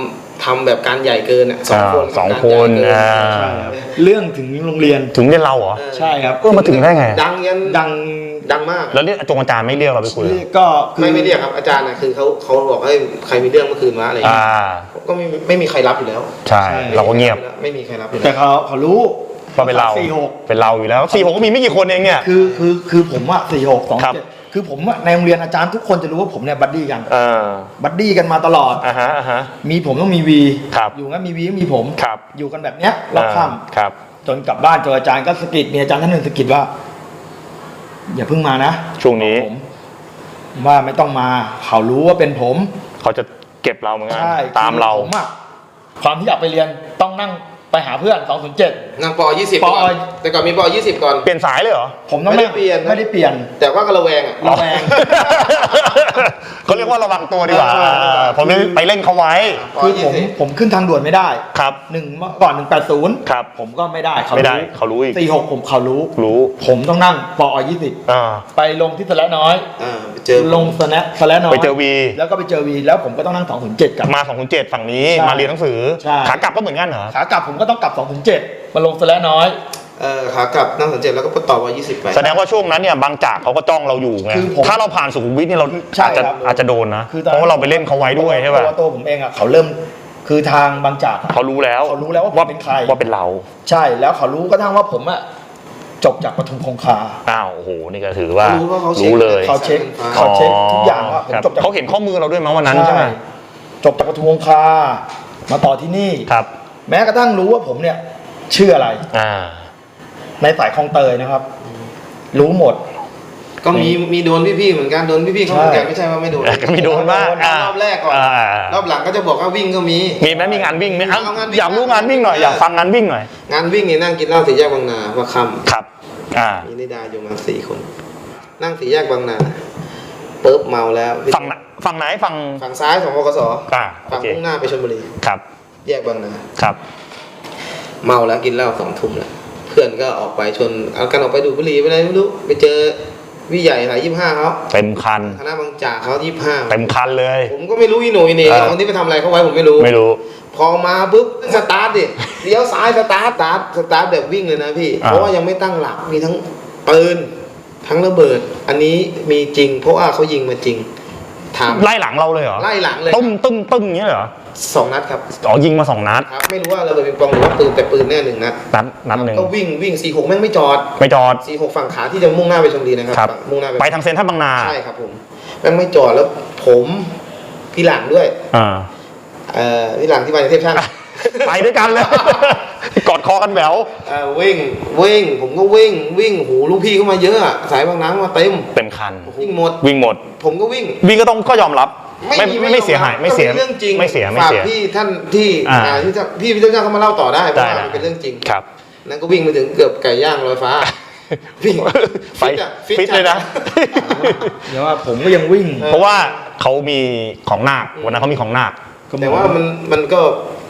[SPEAKER 4] ทำแบบการใหญ่เกินอ่ะสองคน
[SPEAKER 2] สอง
[SPEAKER 4] การ
[SPEAKER 2] คน
[SPEAKER 4] ใหญ่เกิ
[SPEAKER 2] อ่า
[SPEAKER 3] ใช่ครับเรื่องถึงโรงเรียน
[SPEAKER 2] ถึงเรียนเราเหรอ
[SPEAKER 4] เออ
[SPEAKER 3] ใช่ครับ
[SPEAKER 2] เออมาถึงได้ไง
[SPEAKER 4] ดังยัน
[SPEAKER 3] ดัง
[SPEAKER 4] ดังมาก
[SPEAKER 2] แล้วเรียกจงอาจารย์ไม่เรียกเราไปคุยเหรอ
[SPEAKER 3] ก็คือ
[SPEAKER 4] ไม่ไม่เรียกครับอาจารย์นะคือเขาเขาบอกให้ใครมีเรื่องเมื่อคืนวะอะไรอย่าง
[SPEAKER 2] อ่า
[SPEAKER 4] เงี้ยก็ไม่ไม่มีใครรับอยู่แล้ว
[SPEAKER 2] ใช่ เราก็เงียบ
[SPEAKER 4] ไม่มีใครรับอยู่
[SPEAKER 3] แต่
[SPEAKER 4] แล้ว
[SPEAKER 3] เขาเขารู้
[SPEAKER 2] ว่าเป็นเรา
[SPEAKER 3] สี่หก
[SPEAKER 2] เป็นเราอยู่แล้วสี่หกก็มีไม่กี่คนเองเนี่ย
[SPEAKER 3] คือคือคือผมอะสี่หกสอง
[SPEAKER 2] ครับ
[SPEAKER 3] เจ็ดคือผมอะในโรงเรียนอาจารย์ทุกคนจะรู้ว่าผมเนี่ยบัดดี้กัน
[SPEAKER 2] เออ
[SPEAKER 3] บัดดี้กันมาตลอด
[SPEAKER 2] อ่าฮะอ่าฮะ
[SPEAKER 3] มีผมต้องมีวี
[SPEAKER 2] ครับ
[SPEAKER 3] อยู่งั้นมีวีก็มีผม
[SPEAKER 2] ครับ
[SPEAKER 3] อยู่กันแบบเนี้ยรอบค่
[SPEAKER 2] ครับ
[SPEAKER 3] ำจนกลับบ้านเจออาจารย์ก็สะกิดมีอาจารย์ท่านหนึ่งสะกิดว่า อย่าเพิ่งมานะ
[SPEAKER 2] ช่วงนี้
[SPEAKER 3] ผมว่าไม่ต้องมาเขารู้ว่าเป็นผม
[SPEAKER 2] เขาจะเก็บเราเหมือนกัน
[SPEAKER 3] ใช่
[SPEAKER 2] ตามเรา
[SPEAKER 3] ผมอะความที่อยากไปเรียนต้องนั่งไปหาเพื่อนสองศูนย์เจ็ด
[SPEAKER 4] นั่งปยี่สิบ
[SPEAKER 3] ป
[SPEAKER 4] ก่อนแต่ก่อนมีปยี่สิบก่อน
[SPEAKER 2] เปลี่ยนสายเลยเหรอ
[SPEAKER 3] ผมต้อง
[SPEAKER 4] ไม่ได้
[SPEAKER 3] นั่ง
[SPEAKER 4] เปลี่ยนนะ
[SPEAKER 3] ไม่ได้เปลี่ยน
[SPEAKER 4] แต่ว่าก็ระแวงอ่ะ
[SPEAKER 3] ระแวง
[SPEAKER 2] เขาเรียกว่าระวังตัวดีกว่า
[SPEAKER 3] เออเออเออ
[SPEAKER 2] ผมไปเล่นเขาไว้
[SPEAKER 3] คือผมผมขึ้นทางด่วนไม่ได้
[SPEAKER 2] ครับ
[SPEAKER 3] หนึ่งเมื่อก่อนหนึ่งแปดศูนย์
[SPEAKER 2] ครับ
[SPEAKER 3] ผมก็ไม่ได้เขา
[SPEAKER 2] ไม่ได้
[SPEAKER 3] รู้
[SPEAKER 2] เขารู้อีก
[SPEAKER 3] สี่หกผมเขารู้
[SPEAKER 2] รู้
[SPEAKER 3] ผมต้องนั่งปอยี่สิบ
[SPEAKER 2] อ่า
[SPEAKER 3] ไปลงที่สแลน้อย
[SPEAKER 4] อ่าไปเจอ
[SPEAKER 3] ลงสแลสแลน้อย
[SPEAKER 2] ไปเจอวี
[SPEAKER 3] แล้วก็ไปเจอวีแล้วผมก็ต้องนั่งสองศูนย์เจ็ดกลับ
[SPEAKER 2] มาสองคนเจ็ดฝั่งนี้
[SPEAKER 3] ใช่
[SPEAKER 2] มาเรียนหนังสือ
[SPEAKER 3] ใช่
[SPEAKER 2] ขากลับก็เหมือนกันเหรอ
[SPEAKER 3] ขากลับผมก็ต้องกลับสองศูนย์เจ็ดมาลงสแลน้อย
[SPEAKER 4] เออขากลับนั่งสังเกตแล้วก็ต่อว่ายี่สิบไป
[SPEAKER 2] แสดงว่าช่วงนั้นเนี่ยบางจากเขาก็จ้องเราอยู่ไง
[SPEAKER 3] คือผม
[SPEAKER 2] ถ้าเราผ่านสุขุมวิทเนี่ยเรา
[SPEAKER 3] ใช่
[SPEAKER 2] อาจจะ
[SPEAKER 3] ครับ
[SPEAKER 2] อาจจะโดนนะ
[SPEAKER 3] คือตอน
[SPEAKER 2] เพราะว่าเราไปเล่นเขาไว้ด้วยใช่ป่ะ
[SPEAKER 3] ตัวตัวผมเองอ่ะเขาเริ่มคือทางบางจากอะ
[SPEAKER 2] เขารู้แล้ว
[SPEAKER 3] เขารู้แล้วว่าผมเป็นใคร
[SPEAKER 2] ว่าเป็นเรา
[SPEAKER 3] ใช่แล้วเขารู้ก็ทั้งว่าผมอ่ะจบจากปทุมคงคา
[SPEAKER 2] อ้าวโอ้โหนี่ก็ถือว่า
[SPEAKER 4] เขารู้ว่าเขาเช็ค
[SPEAKER 2] รู้เลย
[SPEAKER 3] เขาเช็ค
[SPEAKER 4] อ๋อ
[SPEAKER 3] เขาเช็คทุกอย่างว่าผม
[SPEAKER 2] ครับ
[SPEAKER 3] จบจาก
[SPEAKER 2] เขาเห็นข้อมือเราด้วยมั้งวันนั้นใช่ไหม
[SPEAKER 3] จบจากปทุมคงคา มาต่อที่นี่
[SPEAKER 2] ครับ
[SPEAKER 3] แม้กระทั่งรู้ว่าผมเนี่ยชื่ออะไร
[SPEAKER 2] อ่า
[SPEAKER 3] ในสายคลองเตยนะครับ รู้หมด
[SPEAKER 4] ก็มีมีโดนพี่ๆเหมือนกันโดนพี่ๆเขาเหมือนกันไม่ใช่ว่าไม่โดน
[SPEAKER 2] ก็มีโดนบ้าง
[SPEAKER 3] โดน
[SPEAKER 2] อ่าร
[SPEAKER 4] อบแรกก่อน
[SPEAKER 2] อ่าร
[SPEAKER 4] อบหลังก็จะบอกว่าวิ่งก็มี
[SPEAKER 2] มีไหมมีงานวิ่งไหมอ่ะ
[SPEAKER 4] เอางานวิ่ง
[SPEAKER 2] อยากรู้งานวิ่งหน่อย
[SPEAKER 4] เออ
[SPEAKER 2] อ
[SPEAKER 4] อ
[SPEAKER 2] ยากฟังงานวิ่งหน่อย
[SPEAKER 4] งานวิ่งนี่นั่งกินเหล้าสี่แยกบางนาว่าค่
[SPEAKER 2] ครับ อ่า
[SPEAKER 4] ำมีนิดาอยู่มาสี่คน นั่งสี่แยกบางนาปุ๊บเมาแล้ว
[SPEAKER 2] ฝั่งไหนฝั่งไหนฝั่ง
[SPEAKER 4] ฝั่งซ้ายของบกส
[SPEAKER 2] อ่าโอ
[SPEAKER 4] ฝั่ง
[SPEAKER 2] เค
[SPEAKER 4] มุ่งหน้าไปชลบุรี
[SPEAKER 2] ครับ
[SPEAKER 4] แยกบางนา
[SPEAKER 2] ครับ
[SPEAKER 4] เมาแล้วกินเหล้าสองทุ่มแล้วเพื่อนก็ออกไปชวนเอากันออกไปดูดบุหรี่ไปอะไรไม่รู้ไปเจอวิใหญ่สายยี่ห้าเขา
[SPEAKER 2] เต็มคัน
[SPEAKER 4] คณะบางจากเขายี่ห้า
[SPEAKER 2] เต็มคันเลย
[SPEAKER 4] ผมก็ไม่รู้อีโหน่อีเหน่
[SPEAKER 2] เออ
[SPEAKER 4] คนที่ไปทำอะไรเขาไว้ผมไม่รู้
[SPEAKER 2] ไม่รู้
[SPEAKER 4] พอมาปุ๊บสตาร์ทดิเลี้ยวซ้ายสตาร์ทสตาร์ทสตาร์ทแบบวิ่งเลยนะพี่
[SPEAKER 2] อ่า
[SPEAKER 4] เพราะว่ายังไม่ตั้งหลักมีทั้งปืนทั้งระเบิด อันนี้มีจริง เพราะว่าเขายิงมาจริงถาม
[SPEAKER 2] ไล่หลังเราเลยเหรอ
[SPEAKER 4] ไล่หลังเลย
[SPEAKER 2] ตุ้มตุ้มตุ้มอย่างเงี้ยเหรอ
[SPEAKER 4] สองนัดครับ
[SPEAKER 2] อ๋อยิงมาสองนัด
[SPEAKER 4] ครับ ไม่รู้ว่าระเบิดปิงปองหรือว่าปืนแต่ปืนแน่หนึ่งนัด
[SPEAKER 2] นัดนัดหนึ่ง
[SPEAKER 4] ก็วิ่งวิ่งสี่หกแม่งไม่จอด
[SPEAKER 2] ไม่จอด
[SPEAKER 4] สี่หกฝั่งขาที่จะมุ่งหน้าไปชลบุรีนะครับ
[SPEAKER 2] ครับ
[SPEAKER 4] ฝั่งมุ่งหน้าไป
[SPEAKER 2] ไปทางเซ็นทรัลบางนา
[SPEAKER 4] ใช่ครับผมแม่งไม่จอดแล้วผมพี่หลังด้วย
[SPEAKER 2] อ่า
[SPEAKER 4] เอ่อพี่หลังที่มาในเทพช่าง
[SPEAKER 2] ไปด้วยกันเลย กอดคอกันแหวว
[SPEAKER 4] เอ่อวิ่งวิ่งผมก็วิ่งวิ่งหูลูกพี่เข้ามาเยอะอะสายบางน้ำมาเต็ม
[SPEAKER 2] เต็มคัน
[SPEAKER 4] วิ่งหมด
[SPEAKER 2] วิ่งหมด
[SPEAKER 4] ผมก็วิ่ง
[SPEAKER 2] วิ่งก็ต้องก็ยอมรับ ไม่
[SPEAKER 4] มี
[SPEAKER 2] ไม่ไม่เสียหายไม่เสีย
[SPEAKER 4] ก็ป็นเรื่องจริง
[SPEAKER 2] ไม่เสียไม่
[SPEAKER 4] ฝาก
[SPEAKER 2] เสีย
[SPEAKER 4] พี่ท่านที่
[SPEAKER 2] อ่า
[SPEAKER 4] อ่าที่จะพี่พี่เจ้าเขามาเล่าต่อได้เพ
[SPEAKER 2] ได้
[SPEAKER 4] ราะว่า
[SPEAKER 2] ได้
[SPEAKER 4] มันเป็นเรื่องจริง
[SPEAKER 2] ครับ
[SPEAKER 4] นั่นก็วิ่งไปถึงเกือบไก่ย่างลอยฟ้าวิ่ง
[SPEAKER 2] ไป
[SPEAKER 4] อะ
[SPEAKER 2] ฟิตเลยนะ
[SPEAKER 3] เดี๋ยวว่าผมก็ยังวิ่ง
[SPEAKER 2] เพราะว่าเขามีของนาควันนั้นเขามีของนาค
[SPEAKER 4] แต่ว่ามันมันก็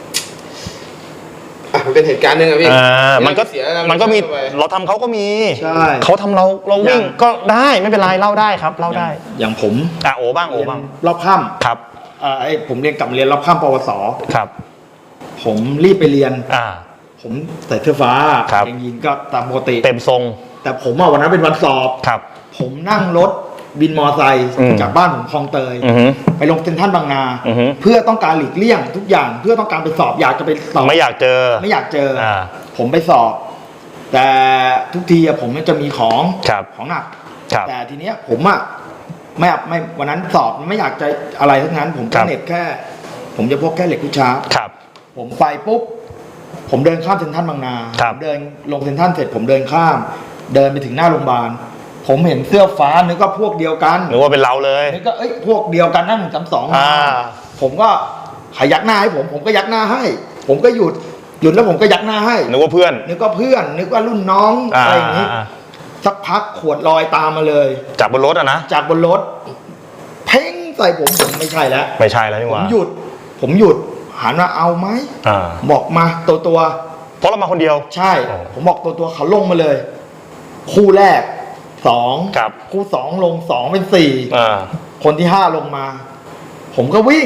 [SPEAKER 4] อ่ะมันเป็นเหตุการณ์หนึ่งอะพี่
[SPEAKER 2] อ่ามันก็
[SPEAKER 4] เสียอะไร
[SPEAKER 2] มันก็มี
[SPEAKER 4] เข้าไป
[SPEAKER 2] เราทำเขาก็มี
[SPEAKER 3] ใช่
[SPEAKER 2] เขาทำเราเราวิ่ง
[SPEAKER 3] อย่าง
[SPEAKER 2] ก็ได้ไม่เป็นไรเล่าได้ครับเล่าได้
[SPEAKER 3] อย่างผม
[SPEAKER 2] อ่ะโอบ้างโอ
[SPEAKER 3] เรียน
[SPEAKER 2] บ้าง
[SPEAKER 3] รอบค่
[SPEAKER 2] ครับ
[SPEAKER 3] ำอ่าไอ้ผมเรียนกลับมาเรียนรอบค่ำปวส
[SPEAKER 2] ครับ
[SPEAKER 3] ผมรีบไปเรียน
[SPEAKER 2] อ่า
[SPEAKER 3] ผมใส่เสื้อฟ้า
[SPEAKER 2] ครับ
[SPEAKER 3] กางเกงยีนก็ตามปกติ
[SPEAKER 2] เต็มทรง
[SPEAKER 3] แต่ผมอะวันนั้นเป็นวันสอบ
[SPEAKER 2] ครับ
[SPEAKER 3] ผมนั่งรถบินมอไซค์
[SPEAKER 2] อืม
[SPEAKER 3] จากบ้านผมคลองเตย
[SPEAKER 2] อือฮึ
[SPEAKER 3] ไปลงเซ็นทรัลบางนา
[SPEAKER 2] อือฮึ
[SPEAKER 3] เพื่อต้องการหลีกเลี่ยงทุกอย่างเพื่อต้องการไปสอบอยากจะไปสอบ
[SPEAKER 2] ไม่อยากเจอ
[SPEAKER 3] ไม่อยากเจออา ผมไปสอบ แต่ทุกทีอะผมจะมีของ
[SPEAKER 2] ครับ
[SPEAKER 3] ของหนัก
[SPEAKER 2] ครับ
[SPEAKER 3] แต่ทีเนี้ยผมอะไม่ไม่วันนั้นสอบไม่อยากจะอะไรทั้งนั้น ผม
[SPEAKER 2] ครั
[SPEAKER 3] ก็
[SPEAKER 2] บ
[SPEAKER 3] เน็ตแค่ ผมจะพกแค่เหล็กลูกช้าร์ป
[SPEAKER 2] ครับ
[SPEAKER 3] ผมไปปุ๊บผมเดินข้ามเซ็นทรัลบางนา
[SPEAKER 2] ครับ
[SPEAKER 3] ผมเดินลงเซ็นทรัลเสร็จผมเดินข้าม เดินไปถึงหน้าโรงพยาบาลผมเห็นเสื้อฟ้านึกว่าพวกเดียวกัน
[SPEAKER 2] นึกว่าเป็นเราเลย
[SPEAKER 3] นึกว่าเอ้ยพวกเดียวกันนั่งจำสอง
[SPEAKER 2] อ่า
[SPEAKER 3] ผมก็ขยักหน้าให้ผม ผมก็ยักหน้าให้ ผมก็หยุดหยุดแล้วผมก็ยักหน้าให้
[SPEAKER 2] นึกว่าเพื่อน
[SPEAKER 3] นึกว่าเพื่อน นึกว่ารุ่นน้อง
[SPEAKER 2] อ่า
[SPEAKER 3] อะไรอย่างนี้
[SPEAKER 2] อ่า
[SPEAKER 3] สักพักขวดลอยตามมาเลย
[SPEAKER 2] จากบนรถอะนะ
[SPEAKER 3] จากบนรถ เพ่งใส่ผมผมไม่ใช่แล้ว
[SPEAKER 2] ไม่ใช่แล้วนี่ห
[SPEAKER 3] ผม
[SPEAKER 2] ว่า
[SPEAKER 3] หยุด ผมหยุดหันมาเอาไหม
[SPEAKER 2] อ่า
[SPEAKER 3] บอกมาตัวตัว
[SPEAKER 2] เพราะเรามาคนเดียว
[SPEAKER 3] ใช่
[SPEAKER 2] อ๋อ
[SPEAKER 3] ผมบอกตัวตัวเขาลงมาเลย คู่แรกสอง
[SPEAKER 2] ครับ
[SPEAKER 3] คู่สองลงสองเป็นสี่
[SPEAKER 2] อ่า
[SPEAKER 3] คนที่ห้าลงมา ผมก็วิ่ง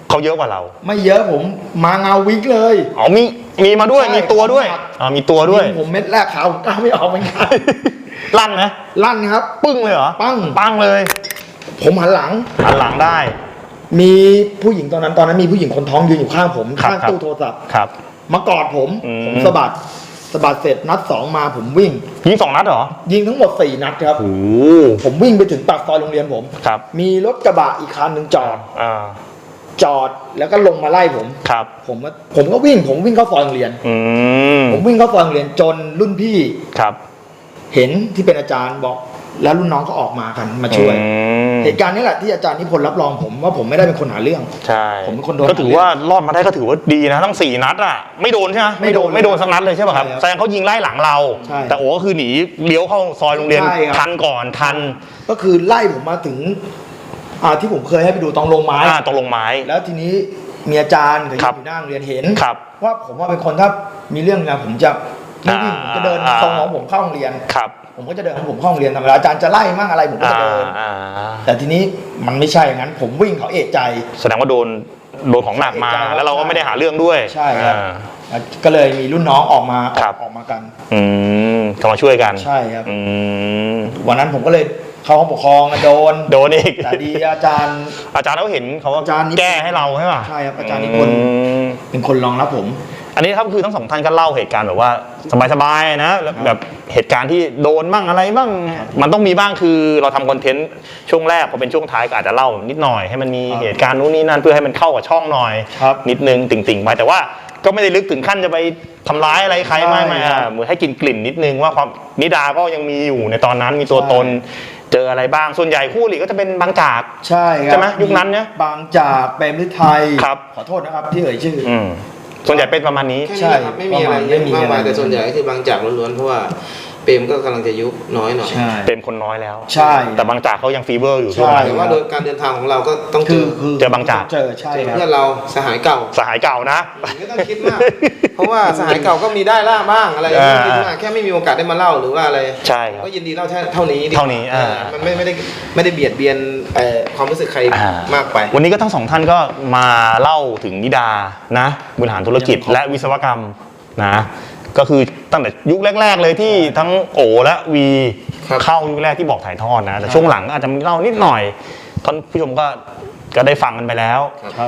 [SPEAKER 2] เขาเยอะกว่าเรา
[SPEAKER 3] ไม่เยอะผมมาเงาวิกเลย
[SPEAKER 2] อ๋อมีมีมาด้วย
[SPEAKER 3] ใช่
[SPEAKER 2] มีตัวด้วย
[SPEAKER 3] ครับ
[SPEAKER 2] อ๋อมีตัวด้วย
[SPEAKER 3] ผมเม็ดแรกขาวผมกล้าไม่ออกเหมือนกัน
[SPEAKER 2] ลั่นไหม
[SPEAKER 3] ลั่นครับ
[SPEAKER 2] ปึ้งเลยเหรอ
[SPEAKER 3] ปัง
[SPEAKER 2] ปังเลย
[SPEAKER 3] ผมหันหลัง
[SPEAKER 2] หันหลังได้
[SPEAKER 3] มีผู้หญิงตอนนั้นตอนนั้นมีผู้หญิงคนท้องยืนอยู่ข้างผม
[SPEAKER 2] ครับ
[SPEAKER 3] ข้าง
[SPEAKER 2] ครับ
[SPEAKER 3] ตู้โทรศัพท์
[SPEAKER 2] ครับ
[SPEAKER 3] มากอดผม
[SPEAKER 2] อืม
[SPEAKER 3] ผมสะบัดสะบัดเสร็จนัดสองมาผมวิ่ง
[SPEAKER 2] ยิงสองนัดเหรอ
[SPEAKER 3] ยิงทั้งหมดสี่นัดครับ
[SPEAKER 2] โอ้
[SPEAKER 3] ผมวิ่งไปถึงปากซอยโรงเรียนผม
[SPEAKER 2] ครับ
[SPEAKER 3] มีรถกระบะอีกคันหนึ่งจอด
[SPEAKER 2] อ่า
[SPEAKER 3] จอดแล้วก็ลงมาไล่ผม
[SPEAKER 2] ครับ
[SPEAKER 3] ผมก็ผมก็วิ่งผมวิ่งเข้าซอยโรงเรียน
[SPEAKER 2] อืม
[SPEAKER 3] ผมวิ่งเข้าซอยโรงเรียนจนรุ่นพี่
[SPEAKER 2] ครับ
[SPEAKER 3] เห็นที่เป็นอาจารย์บอก แล้วรุ่นน้องก็ออกมากันมาช่วย
[SPEAKER 2] อืม
[SPEAKER 3] เหตุการณ์นี้แหละที่อาจารย์นิพนธ์รับรองผมว่าผมไม่ได้เป็นคนหาเรื่อง
[SPEAKER 2] ใช่
[SPEAKER 3] ผมเป็นคนโดน
[SPEAKER 2] ก็ถือว่ารอดมาได้ก็ถือว่าดีนะทั้งสี่นัดอ่ะไม่โดนใช่ไหม
[SPEAKER 3] ไม่โดน
[SPEAKER 2] ไม่โดนสักนัดเลยใช่ป่ะครับ
[SPEAKER 3] ใช่ครับ
[SPEAKER 2] แสดงเขายิงไล่หลังเรา
[SPEAKER 3] ใช่
[SPEAKER 2] แต่โอ้ก็คือหนีเลี้ยวเข้าซอยโรงเรียน
[SPEAKER 3] ใช่ครับ
[SPEAKER 2] ทันก่อนทัน
[SPEAKER 3] ก็คือไล่ผมมาถึงอ่าที่ผมเคยให้ไปดูตองลงไม้
[SPEAKER 2] อ่าตรงลงไม้
[SPEAKER 3] แล้วทีนี้มีอาจารย์กับ
[SPEAKER 2] ครับ
[SPEAKER 3] อยู่หน้าโรงเรียนเห็น
[SPEAKER 2] ครับ
[SPEAKER 3] ว่าผมว่าเป็นคนถ้ามีเรื่องนะผมจะไม่วิ่งผมจะเดิน
[SPEAKER 2] อ่า
[SPEAKER 3] ทรงของผมเข้าโรงเรียน
[SPEAKER 2] ครับ
[SPEAKER 3] ผมก็จะเดินของผมเข้าโรงเรียนธรรมดาอาจารย์จะไล่มั่งอะไรผมก็
[SPEAKER 2] อ่า
[SPEAKER 3] จะเดิน
[SPEAKER 2] อ่า
[SPEAKER 3] แต่ทีนี้มันไม่ใช่อย่างนั้น ผมวิ่งเขาเอะใจ
[SPEAKER 2] แสดงว่าโดนโดนของหนักมา
[SPEAKER 3] ใช่ครับ
[SPEAKER 2] แล้วเราก็ไม่ได้หาเรื่องด้วย
[SPEAKER 3] ใช่ครับ
[SPEAKER 2] อ่า
[SPEAKER 3] ก็เลยมีรุ่นน้องออกมาอ
[SPEAKER 2] ครั
[SPEAKER 3] อบ กออกมากัน
[SPEAKER 2] อืมเขามาช่วยกัน
[SPEAKER 3] ใช่ครับ
[SPEAKER 2] อืม
[SPEAKER 3] วันนั้นผมก็เลยเข้าห้องปกครองอะโดน
[SPEAKER 2] โดนอีก
[SPEAKER 3] แต่ดีอาจารย์
[SPEAKER 2] อาจารย์เขาเห็นเขา
[SPEAKER 3] อาจารย์นิพนธ์
[SPEAKER 2] แก้ให้เราใช่ป่ะ
[SPEAKER 3] ใช่ครับอาจารย์นิพนธ์
[SPEAKER 2] อืม
[SPEAKER 3] เป็นคนรองรับผม
[SPEAKER 2] อันนี้ครับคือทั้งสองท่านก็เล่าเหตุการณ์แบบว่าสบายๆนะแล้วแบบเหตุการณ์ที่โดนบ้างอะไรบ้างมันต้องมีบ้างคือเราทำคอนเทนต์ช่วงแรกพอเป็นช่วงท้ายก็อาจจะเล่านิดหน่อยให้มันมี
[SPEAKER 3] ครับ
[SPEAKER 2] เหตุการณ์นู้นนี่นั่นเพื่อให้มันเข้ากับช่องหน่อย
[SPEAKER 3] ครับ
[SPEAKER 2] นิดนึงติ่งๆไปแต่ว่าก็ไม่ได้ลึกถึงขั้นจะไปทำร้ายอะไรใครไม่ไม่
[SPEAKER 3] ใช่ครับ
[SPEAKER 2] อ่าเหมือนให้กินกลิ่นนิดนึงว่าความนิดาก็ยังมีอยู่ในตอนนั้นมีตัว
[SPEAKER 3] ใช่
[SPEAKER 2] ตนเจออะไรบ้างส่วนใหญ่คู่หลีก็จะเป็นบางจาก
[SPEAKER 3] ใช่ครับ
[SPEAKER 2] ใช่ไหมยุคนั้นเนี่ย
[SPEAKER 3] บางจากเปรมฤทัย
[SPEAKER 2] ครับ
[SPEAKER 3] ขอโทษนะครับที่เอ่ยชื่ออ
[SPEAKER 2] อืมส่วนใหญ่เป็นประมาณนี้
[SPEAKER 4] แค่นี้นะครับไม่มีอะไรเยอะมากมายแต่ส่วนใหญ่ก็คือบางจากล้วนๆเพราะว่าเปรมก็กำลังจะยุบน้อยหน่อย
[SPEAKER 3] ใช่
[SPEAKER 2] เป็นคนน้อยแล้ว
[SPEAKER 3] ใช่
[SPEAKER 2] แต่บางจากเขายังฟีเวอร์อยู่
[SPEAKER 3] ใช่
[SPEAKER 2] ช่วงนั้น
[SPEAKER 4] แต่ว่าโดยการเดินทางของเราก็ต้องเจ
[SPEAKER 3] คือ
[SPEAKER 4] อ
[SPEAKER 3] คือ
[SPEAKER 2] เจอบางจาก
[SPEAKER 3] เจอใช่
[SPEAKER 4] เจอ
[SPEAKER 3] ครับ
[SPEAKER 4] เพื่อนเราสหายเก่า
[SPEAKER 2] สหายเก่านะ
[SPEAKER 4] ไม่ต้องคิดมาก เพราะว่าสหายเก่าก็มีได้ล่าบ้างอะไรไม่ต้องคิดมากแค่ไม่มีโอกาสได้มาเล่าหรือว่าอะไร
[SPEAKER 2] ใช่ครับ
[SPEAKER 4] ก็ยินดีเล่าเท่านี้ดีกว่
[SPEAKER 2] เท่านี้อ่า
[SPEAKER 4] มันไม่ไม่ได้ไม่ได้เบียดเบียนเอ่อความรู้สึกใคร
[SPEAKER 2] อ่าม
[SPEAKER 4] ากไป
[SPEAKER 2] วันนี้ก็ทั้งสองท่านก็มาเล่าถึงนิดานะบริหารธุรกิจและวิศวกรรมนะก็คือตั้งแต่ยุคแรก ๆ เลยที่ทั้งโอและวี
[SPEAKER 4] ครับ
[SPEAKER 2] เข้ายุคแรกที่บอกถ่ายทอดนะแต่ช่วงหลังอาจจะมีเล่านิดหน่อยท่านผู้ชมก็ก็ได้ฟังกันไปแล้ว
[SPEAKER 3] ครับ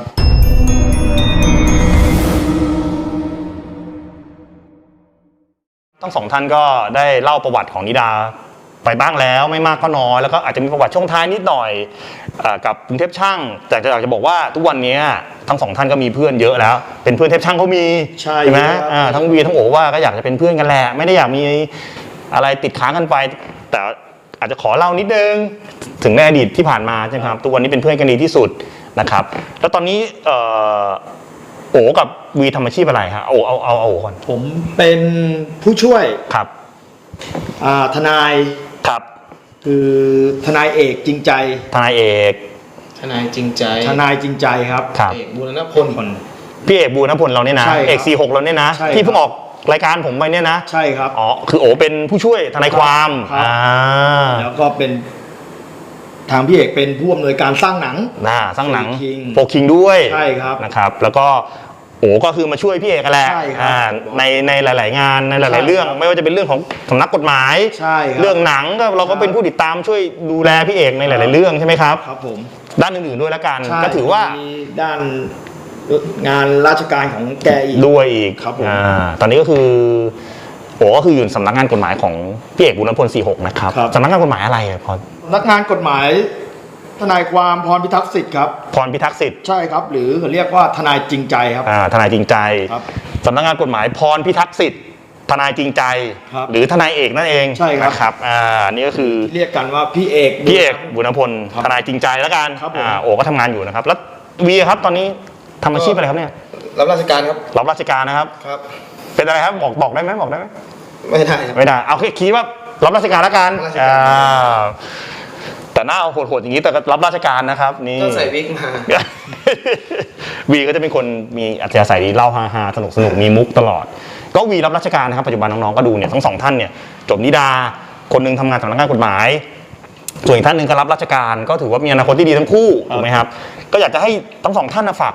[SPEAKER 2] ทั้งสองท่านก็ได้เล่าประวัติของนิดาไปบ้างแล้วไม่มากก็น้อยแล้วก็อาจจะมีประวัติช่วงท้ายนิดหน่อยเอ่อกับกรุงเทพช่างแต่จะอยากจะบอกว่าทุกวันนี้ทั้งสองท่านก็มีเพื่อนเยอะแล้ว เป็นเพื่อนเทพช่างเขามี
[SPEAKER 3] ใช่
[SPEAKER 2] ไหม
[SPEAKER 3] ครับ
[SPEAKER 2] อ่าทั้งวีทั้งโอว่าก็อยากจะเป็นเพื่อนกันแหละไม่ได้อยากมีอะไรติดค้างกันไป แต่อาจจะขอเล่านิดนึงถึงในอดีตที่ผ่านมาใช่ไหมครับทุกวันนี้เป็นเพื่อนกันดีที่สุดนะครับ แล้วตอนนี้เอ่อโอกับวีทำอาชีพอะไรฮะโอเอาเอาเอาโอก่อน
[SPEAKER 3] ผมเป็นผู้ช่วย
[SPEAKER 2] ครับ
[SPEAKER 3] อ่าทนาย
[SPEAKER 2] ครับ
[SPEAKER 3] คือทนายเอกจริงใจ
[SPEAKER 2] ทนายเอก
[SPEAKER 4] ทนายจริงใจ
[SPEAKER 3] ทนายจริงใจครับ
[SPEAKER 2] ครับ
[SPEAKER 4] เอกบูรณพล
[SPEAKER 3] คน
[SPEAKER 2] พี่เอกบูรณพลเราเนี่ยนะ
[SPEAKER 3] ใช่ครับ
[SPEAKER 2] เอกสี่หกเราเนี่ยนะ
[SPEAKER 3] ใช่ครับ
[SPEAKER 2] ที่เพิ่งออกรายการผมไปเนี่ยนะ
[SPEAKER 3] ใช่ครับ
[SPEAKER 2] อ๋อคือโอเป็นผู้ช่วยทนายความ
[SPEAKER 3] ครับ
[SPEAKER 2] อ่า
[SPEAKER 3] แล้วก็เป็นทางพี่เอกเป็นผู้อำนวยการสร้างหนัง
[SPEAKER 2] น่าสร้างหนัง
[SPEAKER 3] โฟร์คิง
[SPEAKER 2] โฟคิงด้วย
[SPEAKER 3] ใช่ครับ
[SPEAKER 2] นะครับ แล้วก็โอ้ก็คือมาช่วยพี่เอกกันแหละ
[SPEAKER 3] ใช่ครับ
[SPEAKER 2] อ่าในในหลาย ๆ งานในห
[SPEAKER 3] ใช่
[SPEAKER 2] ลาย ๆ เรื่อง
[SPEAKER 3] ครับ
[SPEAKER 2] ไม่ว่าจะเป็นเรื่องของสำนักกฎหมาย
[SPEAKER 3] ใช่ครับ
[SPEAKER 2] เรื่องหนังก็เราก็เป็นผู้ติดตามช่วยดูแลพี่เอกในห
[SPEAKER 3] ครั
[SPEAKER 2] ลาย
[SPEAKER 3] บ
[SPEAKER 2] ๆ เรื่องใช่ไหมครับ
[SPEAKER 3] ครับผม
[SPEAKER 2] ด้านอื่น ๆ ด้วยแล้วกัน
[SPEAKER 3] ใช่
[SPEAKER 2] ก็ถือว่า
[SPEAKER 3] มีด้านงานราชการของแกอีก
[SPEAKER 2] ด้วยอีก
[SPEAKER 3] ครับผม
[SPEAKER 2] อ่าตอนนี้ก็คือโอ้ก็คืออยู่สำนักงานกฎหมายของพี่เอกบุญพลสี่หกนะครับ
[SPEAKER 3] ครับ
[SPEAKER 2] สำนักงานกฎหมายอะไรอะพร
[SPEAKER 3] นักงานกฎหมาย ทนายความพรพิทักษ์สิทธิ์ครับ
[SPEAKER 2] พรพิทักษ์สิทธิ์
[SPEAKER 3] ใช่ครับ หรือเขาเรียกว่าทนายจริงใจครับ
[SPEAKER 2] อ่าทนายจริงใจ
[SPEAKER 3] ครับ
[SPEAKER 2] สำนักงานกฎหมายพรพิทักษ์สิทธิ์ทนายจริงใจ
[SPEAKER 3] ครับ
[SPEAKER 2] หรือทนายเอกนั่นเอง
[SPEAKER 3] ใช่ครับ
[SPEAKER 2] นะครับอ่านี่ก็คือ
[SPEAKER 3] เรียกกันว่าพี่เอก
[SPEAKER 2] พี่เอกบุญพล
[SPEAKER 3] ครับ
[SPEAKER 2] ทนายจริงใจแล้วกัน
[SPEAKER 3] ครับผม
[SPEAKER 2] อ่าโอ้ก็ทำงานอยู่นะครับ แล้ววีครับตอนนี้ทำอาชีพอะไรครับเนี่ย
[SPEAKER 4] รับราชการครับ
[SPEAKER 2] รับราชการนะครับ
[SPEAKER 4] ครับ
[SPEAKER 2] เป็นอะไรครับบอกบอกได้ไหมบอกได้ไหม
[SPEAKER 4] ไม่ได้ครับ
[SPEAKER 2] ไม่ได้เอาแค่คิดว่ารับราชการแล้วกัน
[SPEAKER 4] รับราชการ
[SPEAKER 2] อ่าแต่หน้าโหดๆอย่างนี้แต่ก็รับราชการนะครับนี่
[SPEAKER 4] ต้องใส่วิกมา
[SPEAKER 2] วีก็จะเป็นคนมีอัธยาศัยดีเล่าฮาๆสนุกสนุกมีมุกตลอด ก็วีรับราชการนะครับปัจจุบันน้องๆก็ดูเนี่ยทั้งสองท่านเนี่ยจบนิดาคนหนึงทำงานสำนักงานกฎหมาย ส่วนอีกท่านหนึ่งก็รับราชการก็ถือว่ามีอนาคตที่ดีทั้งคู่ถูกไหมครับก็อยากจะให้ทั้งสองท่านนะฝาก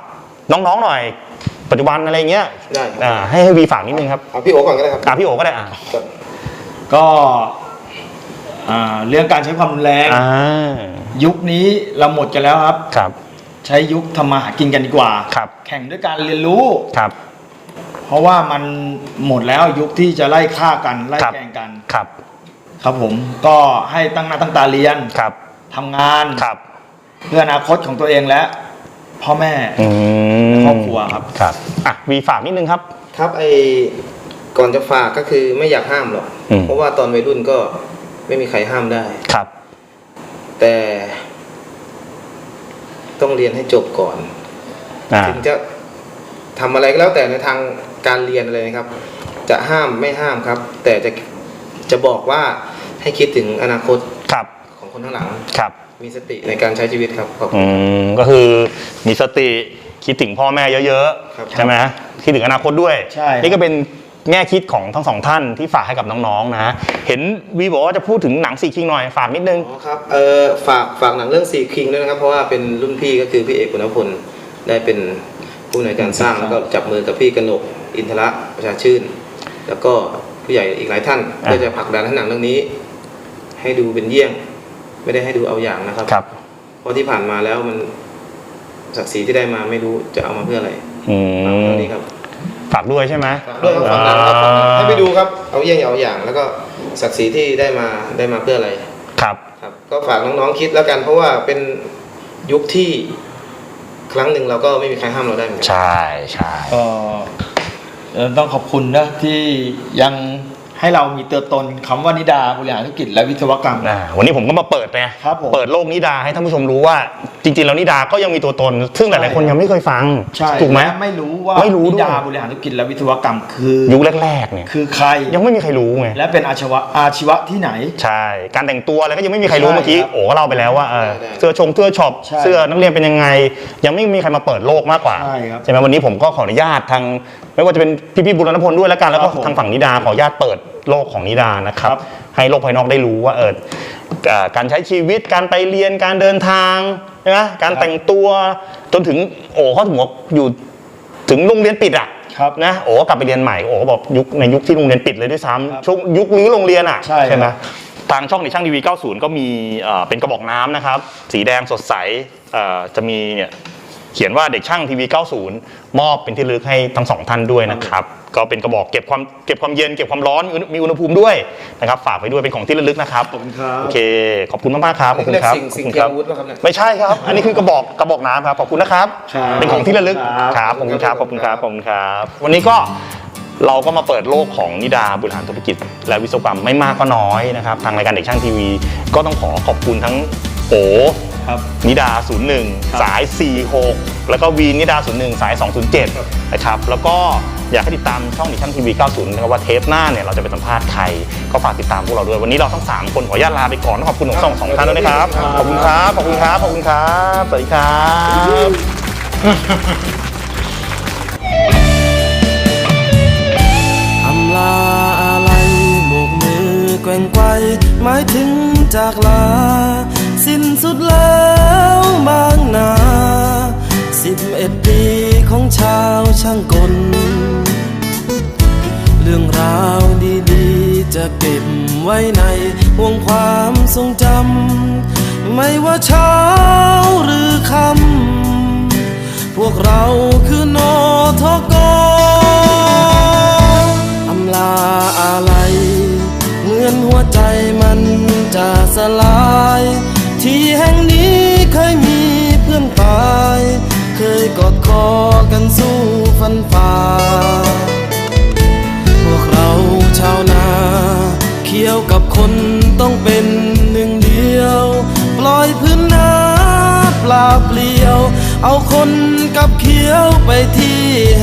[SPEAKER 2] น้องๆหน่อยปัจจุบันอะไรเงี้ย
[SPEAKER 4] ได้
[SPEAKER 2] อ่าให้ให้วีฝากนิดนึงครับ
[SPEAKER 4] เอาพี่โอก่อนก็ได้ครับ
[SPEAKER 2] อ่าพี่โอก็ได้อ่า
[SPEAKER 3] ก็อ่าเรื่องการใช้ความรุนแรง
[SPEAKER 2] อ่า
[SPEAKER 3] ยุคนี้เราหมดกันแล้วครับ
[SPEAKER 2] ครับ
[SPEAKER 3] ใช้ยุคทำมาหากินกันดีกว่า
[SPEAKER 2] ครับ
[SPEAKER 3] แข่งด้วยการเรียนรู้
[SPEAKER 2] ครับ
[SPEAKER 3] เพราะว่ามันหมดแล้วยุคที่จะไล่ฆ่ากันไล่
[SPEAKER 2] ครับ
[SPEAKER 3] แกล้งกัน
[SPEAKER 2] ครับ
[SPEAKER 3] ครับผมก็ให้ตั้งหน้าตั้งตาเรียน
[SPEAKER 2] ครับ
[SPEAKER 3] ทำงาน
[SPEAKER 2] ครับ
[SPEAKER 3] เพื่ออนาคตของตัวเองและพ่อแม่
[SPEAKER 2] อืม
[SPEAKER 3] ครอบครัวครับ
[SPEAKER 2] ครับอ่ะวีฝากนิดนึงครับ
[SPEAKER 4] ครับไอก่อนจะฝากก็คือไม่อยากห้ามหรอก
[SPEAKER 2] อืม
[SPEAKER 4] เพราะว่าตอนวัยรุ่นก็ไม่มีใครห้ามได้
[SPEAKER 2] ครับ
[SPEAKER 4] แต่ต้องเรียนให้จบก่อน
[SPEAKER 2] อ่า
[SPEAKER 4] ถึงจะทำอะไรก็แล้วแต่ในทางการเรียนอะไรนะครับ จะห้ามไม่ห้ามครับ แต่จะจะบอกว่าให้คิดถึงอนาคต
[SPEAKER 2] ครับ
[SPEAKER 4] ของคนข้างหลัง
[SPEAKER 2] ครับ
[SPEAKER 4] มีสติในการใช้ชีวิตครับขอบคุ
[SPEAKER 2] อื
[SPEAKER 4] ณครับ
[SPEAKER 2] มก็คือมีสติคิดถึงพ่อแม่เยอะ
[SPEAKER 4] ครับ
[SPEAKER 2] ๆใช่ไหมคิดถึงอนาคตด้วย
[SPEAKER 3] ใช่ครับ
[SPEAKER 2] นี่ก็เป็นแง่คิดของทั้งสองท่านที่ฝากให้กับน้องๆนะเห็นวีบอกว่าจะพูดถึงหนังสี่คิงหน่อยฝากนิดนึง
[SPEAKER 4] อ๋อครับเออฝากฝากหนังเรื่องสี่คิงด้วยนะครับ เพราะว่าเป็นรุ่นพี่ก็คือพี่เอกคุณพลได้เป็นผู้ในวยการสร้างแล้วก็จับมือกับพี่กนกอินทระประชาชื่น แล้วก็ผู้ใหญ่อีกหลายท่าน
[SPEAKER 2] อ่า
[SPEAKER 4] เพื่อจะผลักดันให้หนังเรื่องนี้ ให้ดูเป็นเยี่ยง ไม่ได้ให้ดูเอาอย่างนะครับ
[SPEAKER 2] ครับ
[SPEAKER 4] เพราะที่ผ่านมาแล้วมันศักดิ์ศรีที่ได้มาไม่รู้จะเอามาเพื่ออะไร
[SPEAKER 2] อื
[SPEAKER 4] เอา
[SPEAKER 2] ม
[SPEAKER 4] เรื่องนี้ครับ
[SPEAKER 2] ฝากด้วยใช่ไหม
[SPEAKER 4] ฝากด้วยครับฝากหนังครับฝากหนังให้ไปดูครับเอาเยี่ยงอย่าเอาอย่าง แล้วก็ศักดิ์ศรีที่ได้มาได้มาเพื่ออะไร
[SPEAKER 2] ครับ
[SPEAKER 4] ครับก็ฝากน้องๆคิดแล้วกัน เพราะว่าเป็นยุคที่ครั้งหนึ่งเราก็ไม่มีใครห้ามเราได้เหมือนกัน
[SPEAKER 2] ใช่ใช่
[SPEAKER 3] ก็เอ่อต้องขอบคุณนะที่ยังให้เรามีตัวตนคำว่านิดาบริหารธุรกิจและวิศวกรรม
[SPEAKER 2] อ่าวันนี้ผมก็มาเปิดไง
[SPEAKER 3] ครับผม
[SPEAKER 2] เปิดโลกนิดาให้ท่านผู้ชมรู้ว่า จริงๆแล้วนิดาก็ยังมีตัวตน ซึ่งหลายๆคนยังไม่เคยฟัง
[SPEAKER 3] ใช่
[SPEAKER 2] ถูกไหม
[SPEAKER 3] และไม่รู้ว่า
[SPEAKER 2] ไม่รู้ด้วย
[SPEAKER 3] นิดาบริหารธุรกิจและวิศวกรรมคือ
[SPEAKER 2] ยุคแรกๆเนี่ย
[SPEAKER 3] คือใคร
[SPEAKER 2] ยังไม่มีใครรู้ไง
[SPEAKER 3] และเป็นอาชีวะอาชีวะที่ไหน
[SPEAKER 2] ใช่ การแต่งตัวอะไรก็ยังไม่มีใครรู้
[SPEAKER 3] ใช่
[SPEAKER 2] เมื่อกี้
[SPEAKER 3] ครับ
[SPEAKER 2] โอ้ก็เล่าไปแล้วว่าเออ
[SPEAKER 4] ได้ได้
[SPEAKER 2] เสื้อชงเสื้อช็อป
[SPEAKER 3] ใช่
[SPEAKER 2] เสื้อนักเรียนเป็นยังไง ยังไม่มีใครมาเปิดโลกมากกว่า
[SPEAKER 3] ใช่ครับ
[SPEAKER 2] ไหมวันนี้ผมก็ขออนุญาตทางไม่ว่าจะเป็นพี่ๆบุรณพลด้วยแล้วกันแล้วก็
[SPEAKER 3] ครับผม
[SPEAKER 2] ทางฝั่งนิดาขออนุญาตเปิดโลกของนิดานะครับ
[SPEAKER 3] ครับ
[SPEAKER 2] ให้โลกภายนอกได้รู้ว่าเออเอ่อการใช้ชีวิตการไปเรียนการเดินทางใช่ไหมการแต่งตัวจนถึงโอ้เขาถึงว่าอยู่ถึงโรงเรียนปิดอ่ะ
[SPEAKER 3] ครับ
[SPEAKER 2] นะโอ้ก็กลับไปเรียนใหม่โอ้ก็บอกยุคในยุคที่โรงเรียนปิดเลยด้วย
[SPEAKER 3] ครับ
[SPEAKER 2] ซ้ำช่วงยุครื้อโรงเรียนอ่ะ
[SPEAKER 3] ใช่
[SPEAKER 2] ไหม
[SPEAKER 3] ครับ
[SPEAKER 2] ทางช่องในช่างทีวีเก้าสิบก็มีเอ่อเป็นกระบอกน้ำนะครับ สีแดงสดใสเอ่อจะมีเนี่ยเขียนว่าเด็กช่างทีวีเก้าสิบมอบเป็นที่ระลึกให้ทั้งสองท่านด้วยนะครับก็เป็นกระบอกเก็บความเก็บความเย็นเก็บความร้อนมีอุณมีอุณหภูมิด้วยนะครับฝากไว้ด้วยเป็นของที่ระลึกนะครับ
[SPEAKER 3] ขอบคุณครับ
[SPEAKER 2] โอเคขอบคุณมากๆครับขอบคุณครับ
[SPEAKER 4] สิ่งสิ่ง
[SPEAKER 2] ขอบ
[SPEAKER 4] เที
[SPEAKER 2] คุ
[SPEAKER 4] ย
[SPEAKER 2] ณ
[SPEAKER 4] ม
[SPEAKER 2] ครับ
[SPEAKER 4] อาวุธป่ะครับเนี่ย
[SPEAKER 2] ไม่ใช่ครับ อันนี้คือกระบอกกระบอกน้ำครับขอบคุณนะครับ
[SPEAKER 3] ครับ
[SPEAKER 2] เป็นของที่ระลึก
[SPEAKER 3] ครับ
[SPEAKER 2] ครับขอบคุณครับขอบคุณครับขอบคุณครับวันนี้ก็เราก็มาเปิดโลกของนิดาบริหารธุรกิจและวิศวกรรมไม่มากก็น้อยนะครับทางรายการเด็กช่างทีวีก็ต้องขอขอบคุณทั้งโอ
[SPEAKER 3] ครับ
[SPEAKER 2] นิดา ศูนย์หนึ่ง
[SPEAKER 3] ครับ
[SPEAKER 2] สาย สี่หก แล้วก็วีนิดา ศูนย์หนึ่ง สาย สองศูนย์เจ็ด นะครับ แล้วก็อยากให้ติดตามช่องดิชั่นทีวี เก้าสิบ นะครับว่าเทปหน้าเนี่ยเราจะไปสัมภาษณ์ใคร ก็ฝากติดตามพวกเราด้วย วันนี้เราทั้ง สาม คนขออนุญาตลาไปก่อนต้องขอบคุณทั้งสองสองท่านด้วยนะครับ ขอบคุณครับ ขอบคุณครับ ขอบคุณครับ สวัสดีครับ
[SPEAKER 1] อำลาอะไรโบกมือแกว่งไกวหมายถึงจากลา สิ้นสุดแล้วบางนาสิบเอ็ดปีของชาวช่างกล เรื่องราวดีๆจะเก็บไว้ในห่วงความทรงจำไม่ว่าเช้าหรือค่ำพวกเราคือนอทกอำลาอะไรเหมือนหัวใจมันจะสลาย ที่แห่งนี้เคยมีเพื่อนตาย เคยกอดคอกันสู้ฟันฝ่า พวกเราชาวนาเคี่ยวกับคนต้องเป็นหนึ่งเดียว ปล่อยพื้นนาเปล่าเปลี่ยว เอาคนกับเคี้ยวไปที่